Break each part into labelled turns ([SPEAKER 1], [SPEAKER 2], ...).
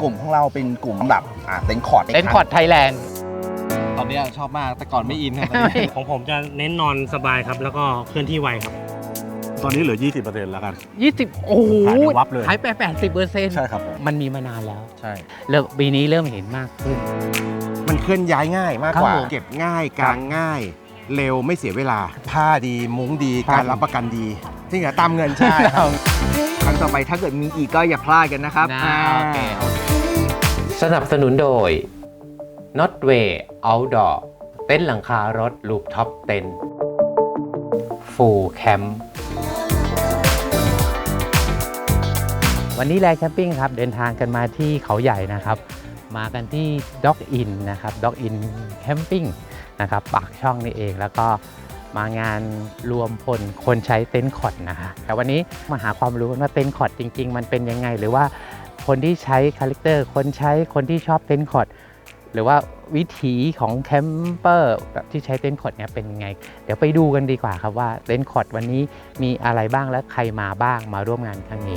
[SPEAKER 1] กลุ่มของเราเป็นกลุ่มสำหรับเต็นท์คอร์ด
[SPEAKER 2] ไทยแลนด์
[SPEAKER 3] ตอนนี้ชอบมากแต่ก่อนไม่อินครับ
[SPEAKER 4] ของผมจะเน้นนอนสบายครับแล้วก็เคลื่อนที่ไวครับ
[SPEAKER 5] ตอนนี้เหลือ 20% แล้วกัน
[SPEAKER 2] 20โอ้โห
[SPEAKER 5] หายไปวับเลย
[SPEAKER 2] หายไป 80%
[SPEAKER 5] ใช่ครับ
[SPEAKER 2] มันมีมานานแล้ว
[SPEAKER 3] ใช่
[SPEAKER 2] เริ่มปีนี้เริ่มเห็นมากขึ้น
[SPEAKER 1] มันเคลื่อนย้ายง่ายมากกว่า
[SPEAKER 2] ครับ
[SPEAKER 1] เก็บง่ายกางง่ายเร็วไม่เสียเวลาผ้าดีมุ้งดีการรับประกันดีจริงเหรอตามเงินใช่ครับครั้งต่อไปถ้าเกิดมีอีกก็อย่าพลาดกันนะครับ
[SPEAKER 2] โอเค
[SPEAKER 6] สนับสนุนโดย Notway Outdoor เต็นท์หลังคารถลูปท็อปเต็นท์ Full Camp
[SPEAKER 2] วันนี้แลแคมปิ้งครับเดินทางกันมาที่เขาใหญ่นะครับมากันที่ Dog Inn นะครับ Dog Inn Camping นะครับปากช่องนี่เองแล้วก็มางานรวมพลคนใช้เต็นท์คอร์ดนะคะแต่วันนี้มาหาความรู้ว่าเต็นท์คอร์ดจริงๆมันเป็นยังไงหรือว่าคนที่ใช้คาแรคเตอร์คนที่ชอบเต็นท์คอร์ดหรือว่าวิถีของแคมเปอร์แบบที่ใช้เต็นท์คอร์ดเนี่ยเป็นยังไงเดี๋ยวไปดูกันดีกว่าครับว่าเต็นท์คอร์ดวันนี้มีอะไรบ้างและใครมาบ้างมาร่วมงานครั้งนี้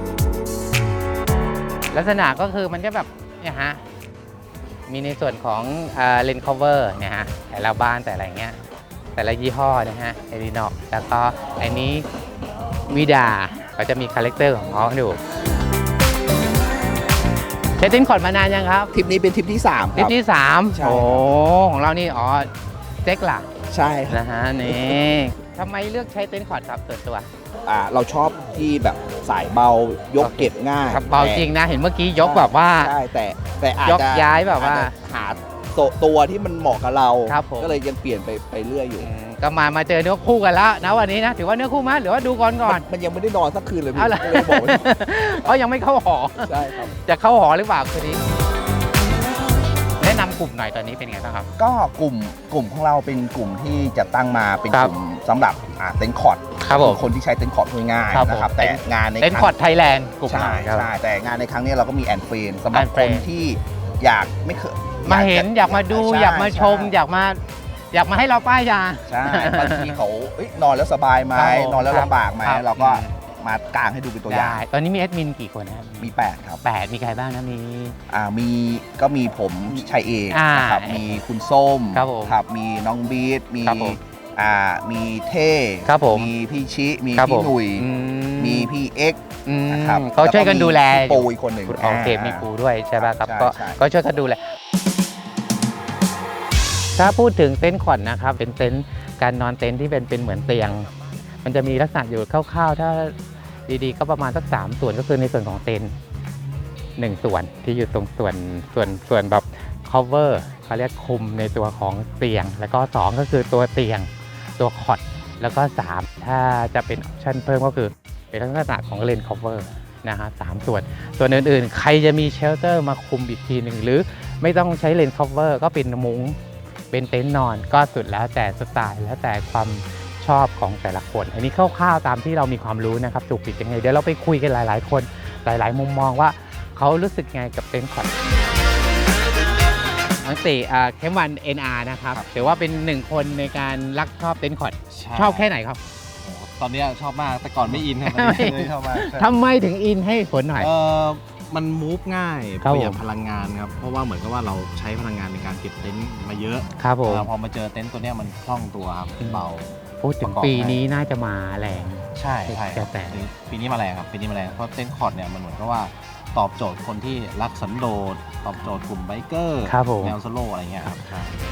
[SPEAKER 2] ลักษณะก็คือมันจะแบบเนี่ยฮะมีในส่วนของเลนส์คัฟเวอร์เนี่ยฮะแต่ละบ้านแต่อะไรเงี้ยแต่ละยี่ห้อนะฮะเอรินอกแล้วก็อันนี้วิดาก็จะมีคาแรคเตอร์ของเขาอยู่ใช้เต็นท์คอร์ดมานานยังครับ
[SPEAKER 1] ทริปนี้เป็นทริปที่3
[SPEAKER 2] ทริปที่3
[SPEAKER 1] ใช่
[SPEAKER 2] โอ้ของเรานี่อ๋อเจ๊กหลัก
[SPEAKER 1] ใช่
[SPEAKER 2] นะฮะนี่ทำไมเลือกใช้เต็นท์คอร์ดครับส่วนตัว
[SPEAKER 1] เราชอบที่แบบสายเบายกเก็บง่าย
[SPEAKER 2] เบาจริงนะเห็นเมื่อกี้ยกแบบว่า
[SPEAKER 1] ใช่แต่อาจจะ
[SPEAKER 2] ยกย้ายแบบว่า
[SPEAKER 1] หาตัวที่มันเหมาะกับเรา
[SPEAKER 2] ก็
[SPEAKER 1] เลยยังเปลี่ยนไปเรื่อยอยู่
[SPEAKER 2] ก็มาเจอเนื้อคู่กันแล้วนะวันนี้นะถือว่าเนื้อคู่มั้ยหรือว่าดูก่อน
[SPEAKER 1] มันยังไม่ได้นอนสักคืนเลยพี่
[SPEAKER 2] เลยบอกเพราะยังไม่เข้าหอ
[SPEAKER 1] ใช่ครับ
[SPEAKER 2] จะเข้าหอหรือเปล่าคืนนี้แนะนำกลุ่มหน่อยตอนนี้เป็นไงบ้างครับ
[SPEAKER 1] ก็กลุ่มของเราเป็นกลุ่มที่จะตั้งมาเป็นกลุ่มสำหรับเต็นท์คอร์ดคนที่ใช้เต็นท์คอร์ดง่ายๆนะครับแต่งานใน
[SPEAKER 2] เต็นท์คอร์ดไทยแลนด์กลุ่ม
[SPEAKER 1] ใช่แต่งานในครั้งนี้เราก็มีแอนเฟรนสำหรับคนที่อยากไม่เคย
[SPEAKER 2] มาเห็นอยากมาดูอยากมาชมอยากมาให้เราป้ายยา
[SPEAKER 1] ใช่บางทีเขานอนแล้วสบายไหมนอนแล้วลำบากไหมเราก็มากางให้ดูเป็นตัวอย่าง
[SPEAKER 2] ตอนนี้มีแอดมินกี่คนครับ
[SPEAKER 1] มี8ครับ
[SPEAKER 2] 8มีใครบ้างนะ
[SPEAKER 1] มีผมชัยเอกนะครับมีคุณส้มครับมีน้องบีทมีเท่มีพี่ชิมีพี่หนุ่ยมีพี่เอ็ก
[SPEAKER 2] นะครับเขาช่วยกันดูแล
[SPEAKER 1] ปูอีกคนหนึ่ง
[SPEAKER 2] โอเคมีปูด้วยใช่ป่ะครับก็ช่วยกันดูแลถ้าพูดถึงเต็นท์คอร์ดนะครับเป็นเต็นท์การนอนเต็นท์ที่เป็นเหมือนเตียงมันจะมีลักษณะอยู่คร่าวๆถ้าดีๆก็ประมาณสัก3ส่วนก็คือในส่วนของเต็นท์1ส่วนที่อยู่ตรงส่วนแบบ cover เขาเรียกคุมในตัวของเตียงแล้วก็2ก็คือตัวเตียงตัวคอร์ดแล้วก็3ถ้าจะเป็นออปชั่นเพิ่มก็คือเป็นลักษณะของเลนส์ cover นะฮะ3ส่วนอื่นๆใครจะมีเชลเตอร์มาคุมอีกทีหนึ่งหรือไม่ต้องใช้เลนส์ cover ก็เป็นมุ้งเป็นเต็นท์นอนก็สุดแล้วแต่สไตล์แล้วแต่ความชอบของแต่ละคนอันนี้คร่าวๆตามที่เรามีความรู้นะครับถูกผิดยังไงเดี๋ยวเราไปคุยกันหลายๆคนหลายๆมุมมองว่าเขารู้สึกไงกับเต็นท์คอร์ดทั้ง4แคมวัน NR นะครับถือว่าเป็น1คนในการรักชอบเต็นท์คอร์ดชอบแค่ไหนครับ
[SPEAKER 3] ตอนนี้ชอบมากแต่ก่อนไม่อินครับตอนนี้ชอบมาก
[SPEAKER 2] ทำไมถึงอินให้ผลหน่อย
[SPEAKER 3] มันมูฟง่ายประหยัดพลังงานครับเพราะว่าเหมือนกับว่าเราใช้พลังงานในการเก็บเต็นท์มาเยอะ
[SPEAKER 2] ครับผม
[SPEAKER 3] พอมาเจอเต็นท์ตัวนี้มันคล่องตัวครับเบา
[SPEAKER 2] พูดถึงปีนี้น่าจะมาแรง
[SPEAKER 3] ใช่แต่ปีนี้มาแรงครับปีนี้มาแรงเพราะเต็นท์คอร์ดเนี่ยมันเหมือนกับว่าตอบโจทย์คนที่รักสันโดษตอบโจทย์กลุ่มไบเกอร์แนวโซโล่อะไรเงี้ยครับ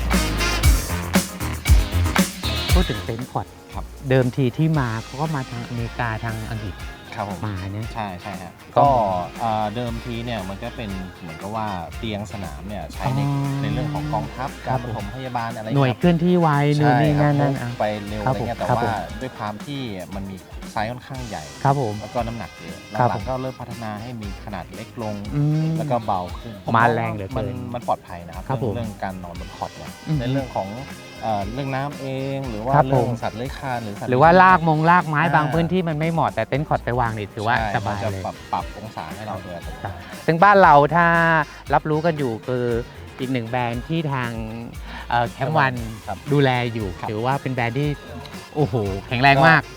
[SPEAKER 2] พูดถึงเต็นท์คอร์ดเดิมทีที่มาเขาก็มาทางอเมริกาทางอังกฤษมาเนี่ย
[SPEAKER 3] ใช่ฮะก็เดิมทีเนี่ยมันก็เป็นเหมือนกับว่าเตียงสนามเนี่ยใช้ในเรื่องของกองทัพการปฐมพยาบาลอะไร
[SPEAKER 2] หน่วยเคลื่อนที่ไวนู่นนี่นั่น
[SPEAKER 3] ไปเร็วอะไรเงี้ยแต่ว่าด้วยความที่มันมีไซส์ค่อนข้างใหญ่
[SPEAKER 2] ครับผม
[SPEAKER 3] แล้วก็น้ำหนักเยอะหลังๆก็เริ่มพัฒนาให้มีขนาดเล็กลงแล้วก็เบาขึ้น
[SPEAKER 2] มาแรงเหลือเกิน
[SPEAKER 3] มันปลอดภัยนะครับเรื่องการนอนบนคอร์ดเนี่ยในเรื่องของเรื่องน้ำเองหรือว่าเรื่องสัตว์เลื้อยคลาน
[SPEAKER 2] หรือว่าลากไม้บางพื้นที่มันไม่เหมาะแต่เต็นท์คอร์ดไปวางนี่ถือว่าสบายเลย
[SPEAKER 3] ปรับองศาให้เราด้วย
[SPEAKER 2] ซึ่งบ้านเราถ้ารับรู้กันอยู่คืออีก1แบรนด์ที่ทางแคมป์วันดูแลอยู่ถือว่าเป็นแบรนด์ที่โอ้โหแข็งแรงมาก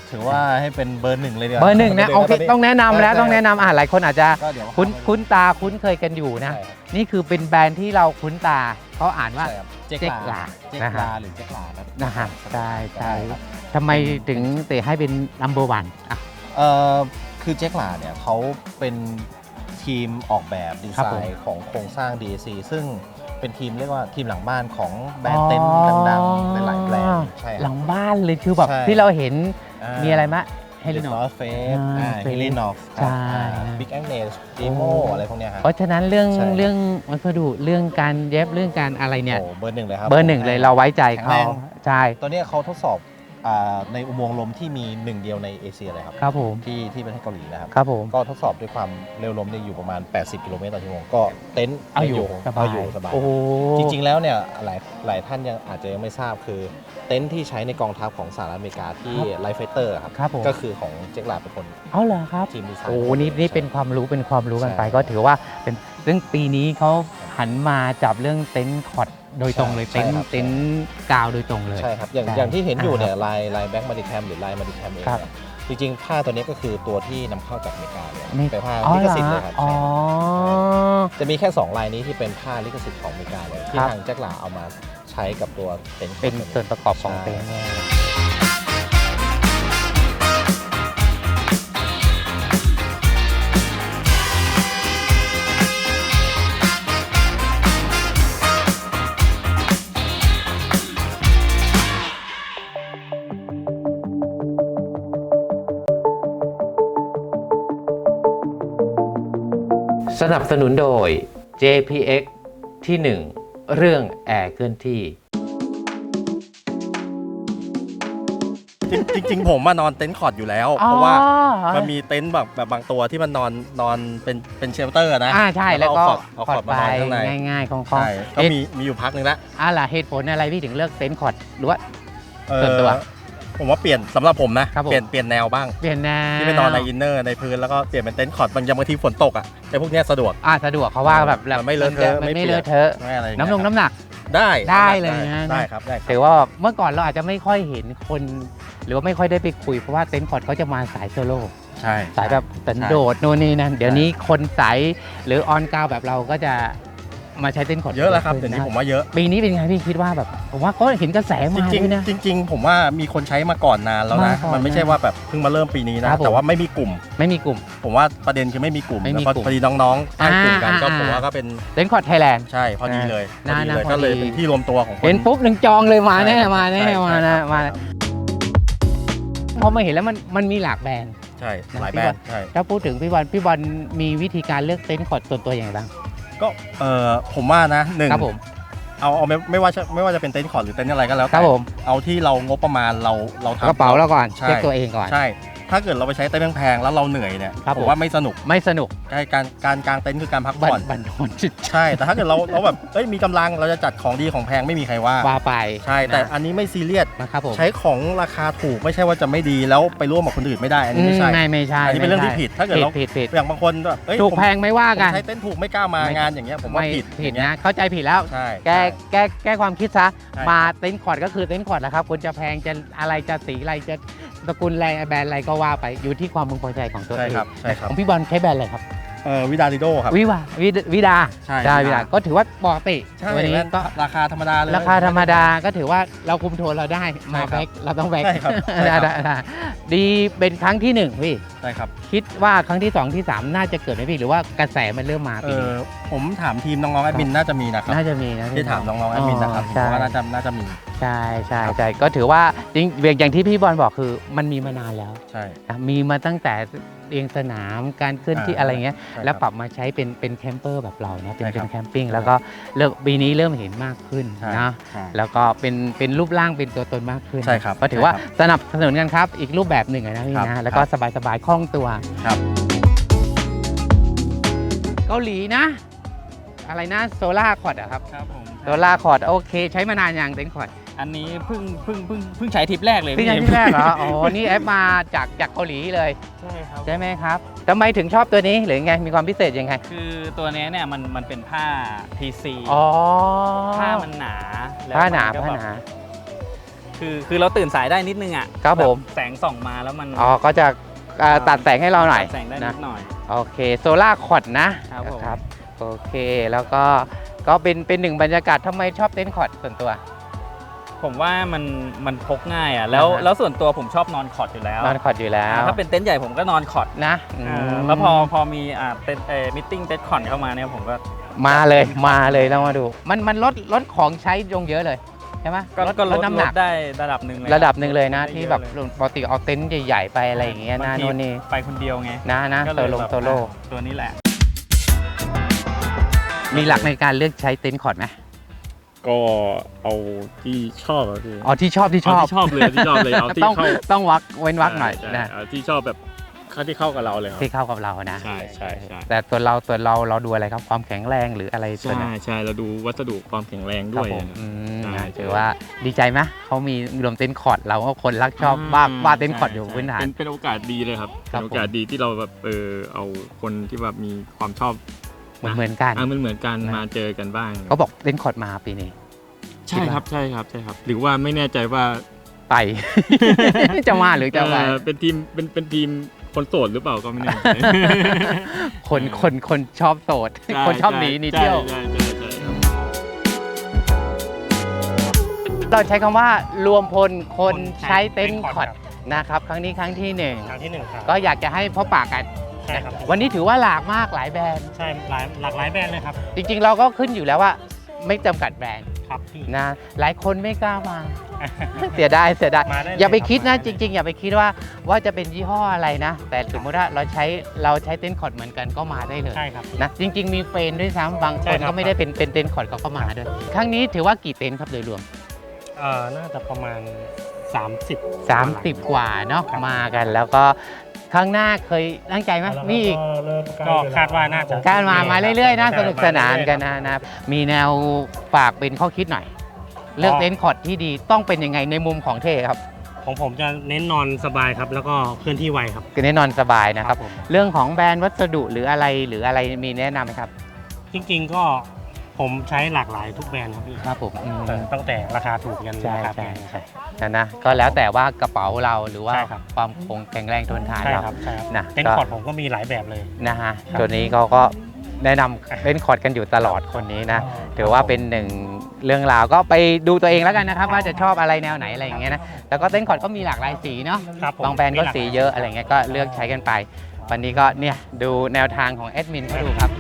[SPEAKER 3] ถือว่าให้เป็นเบอร์หนึ่งเลยดีกว่า
[SPEAKER 2] เบอร์หนึ่งนะโอเค
[SPEAKER 3] ต
[SPEAKER 2] ต้องแนะนำแล้ว
[SPEAKER 3] ใช่
[SPEAKER 2] ต้องแนะนำหลายคนอาจจะ
[SPEAKER 3] ก็เดี๋ยว
[SPEAKER 2] คุ้นตาคุ้นเคยกันอยู่นะ
[SPEAKER 3] ใช่ครับ
[SPEAKER 2] นี่คือเป็นแบรนด์ที่เราคุ้นตาเขาอ่านว่า
[SPEAKER 3] ใช่ครับเจ๊ก
[SPEAKER 2] เจ๊กลา
[SPEAKER 3] เจ๊ก
[SPEAKER 2] นะฮะ
[SPEAKER 3] ลาหรือเจ๊กลาครับ
[SPEAKER 2] นะฮะใช่ใช่
[SPEAKER 3] ครับ
[SPEAKER 2] ทำไมถึงเตะให้เป็น number one อ่ะ
[SPEAKER 3] คือเจ๊กลาเนี่ยเขาเป็นทีมออกแบบดี
[SPEAKER 2] ครับ
[SPEAKER 3] ไซ
[SPEAKER 2] ผม
[SPEAKER 3] น์ของโครงสร้าง DAC ซึ่งเป็นทีมเรียกว่าทีมหลังบ้านของแบรนด์เต็นท์ดังๆหลายๆแบรนด์ใช่
[SPEAKER 2] หลังบ้านเลยคือแบบ
[SPEAKER 3] ใช่
[SPEAKER 2] ที่เราเห็นมีอะไรมะเฮ
[SPEAKER 3] เฮ
[SPEAKER 2] ลิ
[SPEAKER 3] ลิ
[SPEAKER 2] โน
[SPEAKER 3] นอฟเฟส
[SPEAKER 2] Face
[SPEAKER 3] เฮลินอฟ
[SPEAKER 2] ใช่
[SPEAKER 3] บิ๊กแองเนสดีโมอะไรพวกเนี้ยครับ
[SPEAKER 2] เพราะฉะนั้นเรื่อง
[SPEAKER 3] ใช่
[SPEAKER 2] เรื่องวัสดุเรื่องการเย็บเรื่องการอะไรเนี่ย
[SPEAKER 3] โอ้เบอร์หนึ่งเลยครับ
[SPEAKER 2] เบอร์หนึ่งเลยเราไว้ใจ
[SPEAKER 3] แข็ง
[SPEAKER 2] เขา
[SPEAKER 3] แรง
[SPEAKER 2] ใช่
[SPEAKER 3] ตัวเนี้ยเขาทดสอบในอุโมงค์ลมที่มีหนึ่งเดียวในเอเชียเลยครับ
[SPEAKER 2] ครับผม
[SPEAKER 3] ที่ประเทศเกาหลีนะครับ
[SPEAKER 2] ครับผม
[SPEAKER 3] ก็ทดสอบด้วยความเร็วลมเนี่ยอยู่ประมาณ 80 กิโลเมตรต่อชั่วโมงก็เต็นท์
[SPEAKER 2] เอาอยู่สบาย
[SPEAKER 3] เอาอยู่สบาย
[SPEAKER 2] โอ้โห
[SPEAKER 3] จริงๆแล้วเนี่ยหลายท่านยังอาจจะยังไม่ทราบคือเต็นท์ที่ใช้ในกองทัพของสหรัฐอเมริกาที่ไลฟ์ไฟเตอร์ครับ
[SPEAKER 2] ครับผม
[SPEAKER 3] ก็คือของเจ๊กลาเป็นคน
[SPEAKER 2] เอาเหรอครับ
[SPEAKER 3] ทีมดีไซน์
[SPEAKER 2] โอ้นี่เป็นความรู้กันไป
[SPEAKER 3] ใช่
[SPEAKER 2] ก็ถือว่าเป็นเรื่องปีนี้เขาหันมาจับเรื่องเต็นท์คอร์ดโดยตรงเลย
[SPEAKER 3] ใช่ครับ
[SPEAKER 2] เต็นท์กาวโดยตรงเลย
[SPEAKER 3] ใช่ครับ อย่าง
[SPEAKER 2] ใช่
[SPEAKER 3] อย่างที่เห็นอยู่เนี่ย
[SPEAKER 2] อ่า
[SPEAKER 3] ลายแบ็กมาดิแคมหรือลายมาดิแคมเอง
[SPEAKER 2] ครับ
[SPEAKER 3] เนี่ยจริงๆผ้าตัวนี้ก็คือตัวที่นำเข้าจากอเมริกาเลย
[SPEAKER 2] นี่
[SPEAKER 3] เป็นผ้า
[SPEAKER 2] อ๋อ
[SPEAKER 3] ลิ
[SPEAKER 2] เหร
[SPEAKER 3] ข
[SPEAKER 2] อ
[SPEAKER 3] สิทธิ์เลยครับ
[SPEAKER 2] อ๋อ
[SPEAKER 3] ใช่จะมีแค่ 2 ลายนี้ที่เป็นผ้าลิขสิทธิ์ของอเมริกาเลยที่
[SPEAKER 2] ครับ
[SPEAKER 3] ทางเจ๊กลาเอามาใช้กับตัวเต็นท์
[SPEAKER 2] เป็นส่วนประกอบของเต็นท์เนี่ย
[SPEAKER 6] สนับสนุนโดย JPX ที่ 1 เรื่องแอร์เคลื่อนที่
[SPEAKER 3] จริงๆผมมานอนเต็นท์คอร์ดอยู่แล้ว เพราะว่ามันมีเต็นท์แบบบางตัวที่มันนอนเป็นเชลเตอร์นะ
[SPEAKER 2] ใช่แล้วก็
[SPEAKER 3] เอาคอร์ดมานอนข้างใน
[SPEAKER 2] ง่ายๆของ
[SPEAKER 3] ใช่ก็มีอยู่พักหนึ่งแล้ว
[SPEAKER 2] ล่ะเหตุผลอะไรพี่ถึงเลือกเต็นท์คอร์ดหรือว่า ส่วนตัว
[SPEAKER 3] ผมว่าเปลี่ยนสำหรับผมนะครับ
[SPEAKER 2] ผม
[SPEAKER 3] เปลี่ยนแนวบ้าง
[SPEAKER 2] เปลี่ยนแนว
[SPEAKER 3] ที่ไปนอนในอินเนอร์ในพื้นแล้วก็เปลี่ยนเป็นเต็นท์คอร์ดบางทีฝนตกอ่ะไอ้พวกเนี้ยสะดวก
[SPEAKER 2] สะดวกเขาว่าแบบ
[SPEAKER 3] มันไม่เลอะเทอะ
[SPEAKER 2] มัน
[SPEAKER 3] ไม่
[SPEAKER 2] ไม่
[SPEAKER 3] เปียก
[SPEAKER 2] เลอะเทอะ
[SPEAKER 3] ไม่อะไรอย่างเงี้ย
[SPEAKER 2] น้ำหนัก
[SPEAKER 3] ได้
[SPEAKER 2] ได้เลยนะ
[SPEAKER 3] ได้ครับได้ครับ
[SPEAKER 2] ถือว่าเมื่อก่อนเราอาจจะไม่ค่อยเห็นคน หรือว่าไม่ค่อยได้ไปคุยเพราะว่าเต็นท์คอร์ดเขาจะมาสายโซโล่
[SPEAKER 3] ใช่
[SPEAKER 2] สายแบบสันโดษโน่นนี่นั่นเดี๋ยวนี้คนสายหรือออนกราวแบบเราก็จะมาใช้เต็นท์คอร์ด
[SPEAKER 3] เยอะแล้วครับเดี๋ยวนี้ผมว่าเยอะ
[SPEAKER 2] ปีนี้เป็นไงพี่คิดว่าแบบผมว่าก็เห็นกระแสมา
[SPEAKER 3] จริง
[SPEAKER 2] ด้วยนะ
[SPEAKER 3] ๆจริงๆผมว่ามีคนใช้มาก่อนนานแล้วนะ
[SPEAKER 2] มาก่อน
[SPEAKER 3] มันไม่ใช่ว่าแบบเพิ่งมาเริ่มปีนี้
[SPEAKER 2] ค
[SPEAKER 3] นะ
[SPEAKER 2] รับผม
[SPEAKER 3] แต่ว่าไม่มีกลุ่ม
[SPEAKER 2] ไม่มีกลุ่ม
[SPEAKER 3] ผมว่าประเด็นคือไม่มีกลุ่ม
[SPEAKER 2] ไม่มี
[SPEAKER 3] แล้ว
[SPEAKER 2] กลุ่ม
[SPEAKER 3] พอดีน้องๆตั้งกลุ่มกันก็
[SPEAKER 2] อ่า
[SPEAKER 3] ผมว่าก็เป็น
[SPEAKER 2] เต็นท์คอร์ดไทยแลนด์
[SPEAKER 3] ใช่พอดีเลยพอดีเลย
[SPEAKER 2] น่า
[SPEAKER 3] ก็เลย
[SPEAKER 2] พอดี
[SPEAKER 3] เป็นที่รวมตัวของคน
[SPEAKER 2] เห็นปุ๊บหนึ่งจองเลยมาแน่
[SPEAKER 3] ใช่
[SPEAKER 2] มาแน่
[SPEAKER 3] ใช่
[SPEAKER 2] มานะ
[SPEAKER 3] ใช่
[SPEAKER 2] มา
[SPEAKER 3] ครับ
[SPEAKER 2] พอมาเห็นแล้วมันมีหลากแบรนด์
[SPEAKER 3] ใช่หลาย
[SPEAKER 2] พี่
[SPEAKER 3] แบร
[SPEAKER 2] บอล
[SPEAKER 3] นด์ใช่
[SPEAKER 2] ถ้าพูดถึงพี่บอลมีวิธีการเลือกเต็นท์คอร์ดส่วนตัวอย่างไรบ้าง
[SPEAKER 3] ก็ผมว่านะหนึ่ง
[SPEAKER 2] ครับผม
[SPEAKER 3] เอาไม่ว่าจะเป็นเต็นท์คอร์ดหรือเต็นท์อะไรก็แล้ว
[SPEAKER 2] ครั
[SPEAKER 3] แต่
[SPEAKER 2] บผม
[SPEAKER 3] เอาที่เรางบประมาณเราทำ
[SPEAKER 2] กระเป๋าเราก่อน
[SPEAKER 3] ใช่
[SPEAKER 2] เช็คตัวเองก่อน
[SPEAKER 3] ใช่ ถ้าเกิดเราไปใช้เต็นท์แพงๆแล้วเราเหนื่อยเนี่ย
[SPEAKER 2] ครับ
[SPEAKER 3] ผ
[SPEAKER 2] ผม
[SPEAKER 3] มว่าไม่สนุก
[SPEAKER 2] ไม่สนุก
[SPEAKER 3] ใช่การกางเต็นท์คือการพัก
[SPEAKER 2] บั
[SPEAKER 3] ผ่อน
[SPEAKER 2] บันทอนจิต
[SPEAKER 3] ใช่ แต่ถ้าเกิดเราแบบมีกำลังเราจะจัดของดีของแพงไม่มีใครว่า
[SPEAKER 2] ว่าไป
[SPEAKER 3] ใช่ แต่
[SPEAKER 2] นะ
[SPEAKER 3] อันนี้ไม่ซีเรียส
[SPEAKER 2] นะครับผม
[SPEAKER 3] ใช้ของราคาถูกไม่ใช่ว่าจะไม่ดีแล้วไปร่วมกับคนอื่นไม่ได้ อันนี้ไม่ใช่
[SPEAKER 2] ไม่ใช่
[SPEAKER 3] อันนี้เป็นเรื่องที่ผิดถ้าเกิดเรา
[SPEAKER 2] ผิด
[SPEAKER 3] อย่างบางคนแบบเอ้ย
[SPEAKER 2] ถูก
[SPEAKER 3] ผม
[SPEAKER 2] แพงไม่ว่า
[SPEAKER 3] ผม
[SPEAKER 2] กัน
[SPEAKER 3] ใช้เต็นท์ถูกไม่กล้ามางานอย่างเงี้ยผมว่า
[SPEAKER 2] ไม่
[SPEAKER 3] ผิด
[SPEAKER 2] ผิด
[SPEAKER 3] อย่างเงี้ย
[SPEAKER 2] นะเข้าใจผิดแล้ว
[SPEAKER 3] ใช่
[SPEAKER 2] แก้ความคิดซะ
[SPEAKER 3] ใช่
[SPEAKER 2] มาเต็นท์คอร์ดก็คือเต็นท์คอร์ดแหละครับคุณจะแพงจะอะไรจะสีอะไรจะตระกูลอะไรแบรนด์อะไรก็ว่าไปอยู่ที่ความพึงพอใจของตัว
[SPEAKER 3] ใช่
[SPEAKER 2] เอง
[SPEAKER 3] ครับใช่ครับ
[SPEAKER 2] ของพี่บอลใช้แบรนด์อะไรครับ
[SPEAKER 3] วิดาลิโดครับ
[SPEAKER 2] วิดา
[SPEAKER 3] ใช่
[SPEAKER 2] ได้
[SPEAKER 3] วิ
[SPEAKER 2] วิ
[SPEAKER 3] ดา
[SPEAKER 2] ดาก็ถือว่าปกติ
[SPEAKER 3] ใช่
[SPEAKER 2] วันนี้
[SPEAKER 3] แว่น
[SPEAKER 2] ก็
[SPEAKER 3] ราคาธรรมดาเลย
[SPEAKER 2] ราคาธรรมดาก็ถือว่าเราคุมโทนเราได้มา
[SPEAKER 3] ใช่ครับ
[SPEAKER 2] แบ็คเราต้องแบ็ค
[SPEAKER 3] ใช่ครับใช่ครับ
[SPEAKER 2] ได้ดีเป็นครั้งที่หนึ่งพี่
[SPEAKER 3] ใช่ครับ
[SPEAKER 2] คิดว่าครั้งที่2ที่3น่าจะเกิดไหมพี่หรือว่ากระแสมันเริ่มมาปีนี้
[SPEAKER 3] ผมถามทีมน้องๆแอดมินน่าจะมีนะครับ
[SPEAKER 2] น่าจะมีนะ
[SPEAKER 3] ที่ถามน้องๆแอดมินนะครับผม
[SPEAKER 2] ใช่
[SPEAKER 3] ว่าน่าจะมี
[SPEAKER 2] ใช่ก็ถือว่าจริงอย่างที่พี่บอลบอกคือมันมีมานานแล้ว
[SPEAKER 3] ใช่
[SPEAKER 2] นะมีมาตั้งแต่เรียงสนามการเคลื่อนที่อะไรเงี้ย
[SPEAKER 3] ใช่ครับ
[SPEAKER 2] แล้วปรับมาใช้เป็นแคมเปอร์แบบเรานะเป็น
[SPEAKER 3] ใช่ครับ
[SPEAKER 2] แคมปิ้งแล้วก็ปีนี้เริ่มเห็นมากขึ้น
[SPEAKER 3] ใช่
[SPEAKER 2] นะ
[SPEAKER 3] ใช่
[SPEAKER 2] แล้วก็เป็นรูปร่างเป็นตัวตนมากขึ้น
[SPEAKER 3] ใช่ครับ
[SPEAKER 2] ก็ถือว่า
[SPEAKER 3] ใช่ครับ
[SPEAKER 2] สนับสนุนกันครับอีกรูปแบบหนึ่งอะนะพี่
[SPEAKER 3] ครับ
[SPEAKER 2] นะแล้วก็สบายๆคล่องตัว
[SPEAKER 3] ครับ
[SPEAKER 2] เกาหลีนะ อะไรนะโซล่าคอร์ดอะครับ
[SPEAKER 7] ครับผม
[SPEAKER 2] โซล่าคอร์ดโอเค ใช้มานานยังเต็นท์คอร์ด
[SPEAKER 7] อันนี้เพิ่งใช้ทริปแรกเลย
[SPEAKER 2] พี่ใช้ที่แรกเหรออ๋อนี่แอปมาจากเกาหลีเลย
[SPEAKER 7] ใช่ครับ
[SPEAKER 2] ใช่ไหมครับทำไมถึงชอบตัวนี้หรือไงมีความพิเศษยังไง
[SPEAKER 7] คือตัวเนี้ยเนี่ยมันเป็นผ้า PC
[SPEAKER 2] อ๋อ
[SPEAKER 7] ผ้ามันหนาแล้ว
[SPEAKER 2] ผ้าหนา
[SPEAKER 7] มัก็
[SPEAKER 2] ผ้า
[SPEAKER 7] แบบ
[SPEAKER 2] หนา
[SPEAKER 7] คือเราตื่นสายได้นิดนึงอ่ะ
[SPEAKER 2] ครับผม
[SPEAKER 7] แสงส่องมาแล้วมัน
[SPEAKER 2] อ๋อก็จะตัดแสงให้เราหน่อย
[SPEAKER 7] ตัดแสงได้นิ
[SPEAKER 2] นะ
[SPEAKER 7] ดหน่อย
[SPEAKER 2] โอเคโซล่าคอร์ดนะครับ
[SPEAKER 7] ผม
[SPEAKER 2] ครับโอเคแล้วก็เป็นหนึ่งบรรยากาศทำไมชอบเต็นท์คอร์ดส่วนตัว
[SPEAKER 7] ผมว่ามันพกง่ายอ่ะแล้วส่วนตัวผมชอบนอนคอร์ดอยู่แล้ว
[SPEAKER 2] นอนคอร์ดอยู่แล้ว
[SPEAKER 7] ถ้าเป็นเต็นท์ใหญ่ผมก็นอนคอร์ด
[SPEAKER 2] นะ
[SPEAKER 7] แล้วพอมีเต็นท์มิทติ้งเต็นท์คอร์ดเข้ามาเนี่ยผมก็
[SPEAKER 2] มาเลยแล้วมาดูมันลดของใช้ลงเยอะเลยใช่ไหม
[SPEAKER 7] ก็ลด
[SPEAKER 2] น้ำหนัก
[SPEAKER 7] ได้ระดับหนึ่งเลย
[SPEAKER 2] ระดับหนึ่งเลยนะ
[SPEAKER 7] ได้
[SPEAKER 2] ที่
[SPEAKER 7] เยอะ
[SPEAKER 2] แบบ
[SPEAKER 7] เลย
[SPEAKER 2] ปกติเอาเต็นท์ใหญ่ๆไปอะไรอย่างเงี้ยนะ
[SPEAKER 7] บางที
[SPEAKER 2] โน่นนี่
[SPEAKER 7] ไปคนเดียวไง
[SPEAKER 2] นะ
[SPEAKER 7] ก็
[SPEAKER 2] โซ
[SPEAKER 7] เลยแบบ
[SPEAKER 2] โล่
[SPEAKER 7] ตัวนี้แหละ
[SPEAKER 2] มีหลักในการเลือกใช้เต็นท์คอร์ดไหม
[SPEAKER 5] ก็เอาที่ชอบอะพี่
[SPEAKER 2] อ๋อที่ชอบ
[SPEAKER 5] เอาที่ชอบเลยที่ชอบเลยเอาที่
[SPEAKER 2] ต้อง
[SPEAKER 5] เข้า
[SPEAKER 2] ต้องเว้นวักหน่อย
[SPEAKER 5] ใช่
[SPEAKER 2] นะ
[SPEAKER 5] เอาที่ชอบแบบที่เข้ากับเราเลยครับ
[SPEAKER 2] ที่เข้ากับเรานะ
[SPEAKER 5] ใช่ใช่ใช่
[SPEAKER 2] แต่ตัวเราดูอะไรครับความแข็งแรงหรืออะไรส่วนไหน
[SPEAKER 5] ใช่เราดูวัสดุความแข็งแรง
[SPEAKER 2] ครั
[SPEAKER 5] ด้
[SPEAKER 2] บ
[SPEAKER 5] วย
[SPEAKER 2] ผม
[SPEAKER 5] ใช่
[SPEAKER 2] ถือว่าดีใจไหมเขามีรวมเต็นท์คอร์ดเราก็คนรักชอบว่าเต็นท์คอร์ดอยู่
[SPEAKER 5] ใช่
[SPEAKER 2] พื้นฐาน
[SPEAKER 5] เป็นโอกาสดีเลยครับ
[SPEAKER 2] ครับ
[SPEAKER 5] เป็นโอกาสดีที่เราแบบเอาคนที่แบบมีความชอบ
[SPEAKER 2] เหมือนกัน
[SPEAKER 5] เหมือนกัน
[SPEAKER 2] นะ
[SPEAKER 5] มาเจอกันบ้าง
[SPEAKER 2] เขาบอกเต็นท์คอร์ดมาปีนี้
[SPEAKER 5] ใช่ครับใช่ครับหรือว่าไม่แน่ใจว่า
[SPEAKER 2] ไป จะมาหรือจะไป
[SPEAKER 5] เป็นทีมคนโสดหรือเปล่าก็ไม่แน่ใจ
[SPEAKER 2] คนชอบโสด คนชอบหนีเที่ยว
[SPEAKER 5] ใช่ครับ
[SPEAKER 2] เราใช้คำว่ารวมพลคนใช้เต็นท์
[SPEAKER 4] เต็นท์
[SPEAKER 2] ค
[SPEAKER 4] ค
[SPEAKER 2] อ
[SPEAKER 4] อร์
[SPEAKER 2] ร์ด
[SPEAKER 4] ด
[SPEAKER 2] นะครับครั้งนี้ครั้งที่หนึ่ง
[SPEAKER 4] ครั้งที่1ครับ
[SPEAKER 2] ก็อยากจะให้พบปะกัน
[SPEAKER 4] ใช่ครับ
[SPEAKER 2] วันนี้ถือว่าหลากมากหลายแบรนด์
[SPEAKER 4] ใช่หลากหลายแบรนด์เลยครับ
[SPEAKER 2] จริงๆ เราก็ขึ้นอยู่แล้วว่าไม่จำกัดแบรนด์
[SPEAKER 4] ครับพี่
[SPEAKER 2] นะหลายคนไม่กล้ามา เสียดาย
[SPEAKER 4] มาได้เลย
[SPEAKER 2] อย่าไปคิด
[SPEAKER 4] ครั
[SPEAKER 2] นะ
[SPEAKER 4] บ
[SPEAKER 2] จริง ๆ อย่าไปคิดว่าจะเป็นยี่ห้ออะไรนะ แต่สมมติว่าเราใช้เต็นท์คอร์ดเหมือนกันก็มาได้เลย
[SPEAKER 4] ใช่ครับ
[SPEAKER 2] นะจริง ๆ มีเฟรนด์ด้วยซ้ำบาง
[SPEAKER 4] ใช่
[SPEAKER 2] คน
[SPEAKER 4] ครับ
[SPEAKER 2] ก็ไม่ได้เป็นเต็นท์คอร์ดเขาก็มาด้วยครั้งนี้ถือว่ากี่เต็นท์ครับโดยรวม
[SPEAKER 4] น่าจะประมาณ 30
[SPEAKER 2] กว่าเนาะ
[SPEAKER 4] ครับ
[SPEAKER 2] มากันแล้วก็ครั้งหน้าเคยตั้งใจไหมมีอีก
[SPEAKER 4] ก็คาดว่าน่าจะ
[SPEAKER 2] การมาเรื่อยๆนะ
[SPEAKER 4] ใช่
[SPEAKER 2] สนุกสนานกันนะมีแนวฝากเป็นข้อคิดหน่อย เลือกเต็นท์คอร์ดที่ดีต้องเป็นยังไงในมุมของเท่ครับ
[SPEAKER 4] ของผมจะเน้นนอนสบายครับ แล้วก็เคลื่อนที่ไวครับ
[SPEAKER 2] คือแน่นอนสบายนะครับ
[SPEAKER 4] ผม
[SPEAKER 2] เรื่องของแบรนด์วัสดุหรืออะไรมีแนะนำไหมครับ
[SPEAKER 4] จริงๆก็ผมใช้หลากหลายทุกแบรนด์ครับพี่
[SPEAKER 2] ครับผม
[SPEAKER 4] ตั้งแต่ราคาถูกยัน
[SPEAKER 2] ใช่
[SPEAKER 4] ราคาแพ
[SPEAKER 2] ใช่
[SPEAKER 4] ง
[SPEAKER 2] ใช่นะก็แล้วแต่ว่ากระเป๋าเราหรือว่า
[SPEAKER 4] ใช่ครับ
[SPEAKER 2] ความคงแข็งแรงทนทาน
[SPEAKER 4] ใช่
[SPEAKER 2] เรา
[SPEAKER 4] ครับใช่ครับ
[SPEAKER 2] นะ
[SPEAKER 4] เต็นท์คอร์ดผมก็มีหลายแบบเลย
[SPEAKER 2] นะฮะ
[SPEAKER 4] ครับ
[SPEAKER 2] ตัวนี้เขาก็แนะนำเต็นท์คอร์ดกันอยู่ตลอดคนนี้นะถือว่าเป็นหนึ่งเรื่องราวก็ไปดูตัวเองแล้วกันนะครับ ว่าจะชอบอะไรแนวไหนอะไรอย่างเงี้ยนะแล้วก็เต็นท์คอร์ดก็มีหลากหลายสีเนาะ
[SPEAKER 4] ครับผม
[SPEAKER 2] บางแบรนด์ก็สีเยอะอะไรเงี้ยก็เลือกใช้กันไป วันนี้ก็เนี่ยดูแนวทางของแอดมินเขาดูครับ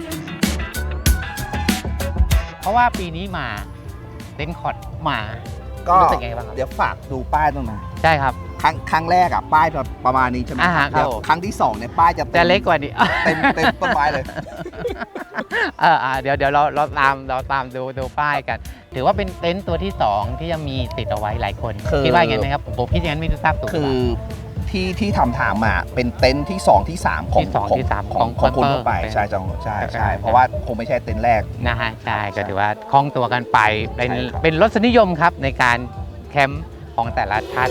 [SPEAKER 2] เพราะว่าปีนี้มาเต็นท์คอร์ดมา
[SPEAKER 1] ก็
[SPEAKER 2] รู้สึกไงบ้างครับ
[SPEAKER 1] เดี๋ยวฝากดูป้ายตรงนั้น
[SPEAKER 2] ใช่ครับ
[SPEAKER 1] ครั้งแรกอ่ะป้ายประมาณนี้ใช่ไหม
[SPEAKER 2] อ่า
[SPEAKER 1] ค
[SPEAKER 2] ฮะ
[SPEAKER 1] รับเดี๋ยว
[SPEAKER 2] ครับผม
[SPEAKER 1] ครั้งที่2เนี่ยป้ายจะ
[SPEAKER 2] จะเล็กกว่านี้
[SPEAKER 1] เต็มต้นไม้เลย
[SPEAKER 2] เดี๋ยวเราตามดูป้ายกัน ถือว่าเป็นเต็นท์ตัวที่ 2 ที่จะมีติดเอาไว้หลายคน
[SPEAKER 1] คือ
[SPEAKER 2] คิดว่าอย่างไงไหมครับผมคิดอย่างนั้นไม่ทราบถูกหรือ
[SPEAKER 1] คื
[SPEAKER 2] เป
[SPEAKER 1] อ
[SPEAKER 2] ล่า
[SPEAKER 1] ที่ถามมาเป็นเต็นท์ที่ 2 ที่ 3 ของ
[SPEAKER 2] ที่สองที่สาม
[SPEAKER 1] ของ
[SPEAKER 2] ของ
[SPEAKER 1] คนทั่วไป
[SPEAKER 2] เป็น
[SPEAKER 1] ใช่จังใช่
[SPEAKER 2] ใช่
[SPEAKER 1] ใช่เพราะว่าคงไม่ใช่เต็นท์แรก
[SPEAKER 2] นะฮะใช่
[SPEAKER 1] ใช่
[SPEAKER 2] ก็ถือว่าคล่องตัวกันไปเป็น
[SPEAKER 1] ใช่ครับ
[SPEAKER 2] เป็นรสนิยมครับในการแคมป์ของแต่ละท่าน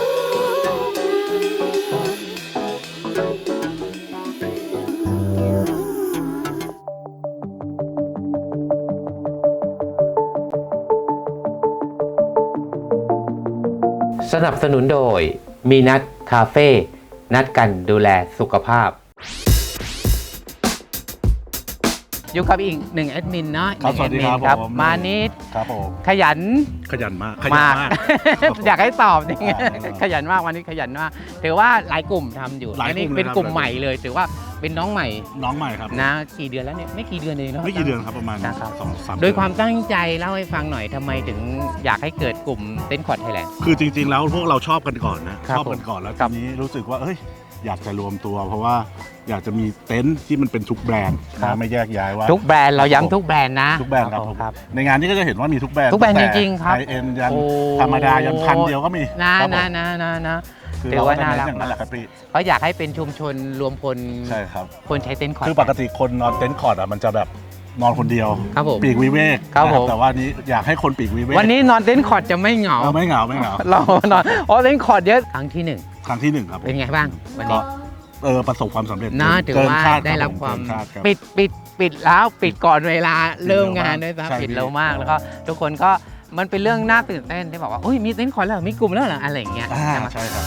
[SPEAKER 6] สนับสนุนโดยมีนัดคาเฟ่นัดกันดูแลสุขภาพ
[SPEAKER 2] อยู่กับอีกหนึ่งแอดมินเนาะ
[SPEAKER 5] ครับ
[SPEAKER 2] หนึ่ง
[SPEAKER 5] สวัสดีครับ
[SPEAKER 2] แอดมิน
[SPEAKER 5] ผม
[SPEAKER 2] มานิด
[SPEAKER 5] ครับผม
[SPEAKER 2] ขยัน
[SPEAKER 5] ขยันมาก
[SPEAKER 2] มาก อยากให้ตอบจริง
[SPEAKER 5] อ๋อ
[SPEAKER 2] ขยันมากวันนี้ขยันมากถือว่าหลายกลุ่มทำอยู่
[SPEAKER 5] หลาย
[SPEAKER 2] อันนี้
[SPEAKER 5] กลุ่มเลย
[SPEAKER 2] เป็น
[SPEAKER 5] ครับ
[SPEAKER 2] กลุ่มใหม่เลยถือว่าเป็นน้องใหม่
[SPEAKER 5] น้องใหม่ครับ
[SPEAKER 2] นะกี่เดือนแล้วเนี่ยไม่กี่เดือนเองเนาะ
[SPEAKER 5] ไม่กี่เดือนครับประมาณ
[SPEAKER 2] นะครับ
[SPEAKER 5] 2-3
[SPEAKER 2] โดยความตั้งใจเล่าให้ฟังหน่อยทำไมถึงอยากให้เกิดกลุ่มเต็นท์คอร์ดไทยแลนด์
[SPEAKER 5] คือจริงๆแล้วพวกเราชอบกันก่อนนะครับ ชอบกันก่อนแล้ว
[SPEAKER 2] ครั
[SPEAKER 5] ที
[SPEAKER 2] บ
[SPEAKER 5] นี้รู้สึกว่าเอ้ยอยากจะรวมตัว เพราะว่าอยากจะมีเต็นท์ที่มันเป็นทุกแบรนด์
[SPEAKER 2] ครับ
[SPEAKER 5] นะไม่แยกย้ายว่า
[SPEAKER 2] ทุกแบรนด์เราย้ำทุกแบรนด์นะ
[SPEAKER 5] ทุกแบรนด์ครับ
[SPEAKER 2] ผ
[SPEAKER 5] ผม ม
[SPEAKER 2] ครับ
[SPEAKER 5] ในงานนี้ก็จะเห็นว่ามีทุกแบรนด์
[SPEAKER 2] ทุกแบรนด์
[SPEAKER 5] ตั้
[SPEAKER 2] จริงๆครับ
[SPEAKER 5] ไฮเอ็นยัน
[SPEAKER 2] โอ้
[SPEAKER 5] ธรรมดายันพันเดียวก็มี
[SPEAKER 2] นะครับ
[SPEAKER 5] ผม
[SPEAKER 2] นะ
[SPEAKER 5] คือ
[SPEAKER 2] ถือ
[SPEAKER 5] เรา
[SPEAKER 2] ว่า
[SPEAKER 5] ก็จะ
[SPEAKER 2] น่า
[SPEAKER 5] เน้น
[SPEAKER 2] รัก
[SPEAKER 5] อย่างนั้นแหละครับพี่
[SPEAKER 2] เพราะอยากให้เป็นชุมชนรวมพล
[SPEAKER 5] ใช่ครับ
[SPEAKER 2] คนใช้เต็นท์คอร์ด
[SPEAKER 5] คือปกติคนนอนเต็นท์คอร์ดอ่ะมันจะแบบนอนคนเดียว
[SPEAKER 2] ครับผม
[SPEAKER 5] ปีกวิเวก
[SPEAKER 2] ครับ
[SPEAKER 5] นะ
[SPEAKER 2] ผม
[SPEAKER 5] แต่ว่านี้อยากให้คนปีกวิเวก
[SPEAKER 2] วันนี้นอนเต็นท์คอร์ดจะไม่เหงา
[SPEAKER 5] ไม่เหงาไม่เหงา
[SPEAKER 2] เรานอนเต็นท์คอร์ดเยอะครั้งที่หนึ่ง
[SPEAKER 5] ครั้งที่1ครับผม
[SPEAKER 2] เป็นไงบ้างวันนี้
[SPEAKER 5] ประสบความสำเร็จ
[SPEAKER 2] นะถือ
[SPEAKER 5] เกิน
[SPEAKER 2] ว่า
[SPEAKER 5] คาด
[SPEAKER 2] ได้
[SPEAKER 5] ค
[SPEAKER 2] รั
[SPEAKER 5] บบ
[SPEAKER 2] ความ
[SPEAKER 5] เกินคาดครับ
[SPEAKER 2] ปิดแล้วปิดก่อนเวลาเริ่มงานด้วย
[SPEAKER 5] ใช่
[SPEAKER 2] นะ
[SPEAKER 5] พี่
[SPEAKER 2] ปิดเร็วมากแล้วก็ทุกคนก็มันเป็นเรื่องน่าตื่นเต้นที่บอกว่าอุ้ยมีเต็นท์คอร์ดแล้วมีกลุ่มแล้วเหรออะไรอย่างเงี้ยใช่ไหม
[SPEAKER 5] ใช่ครับ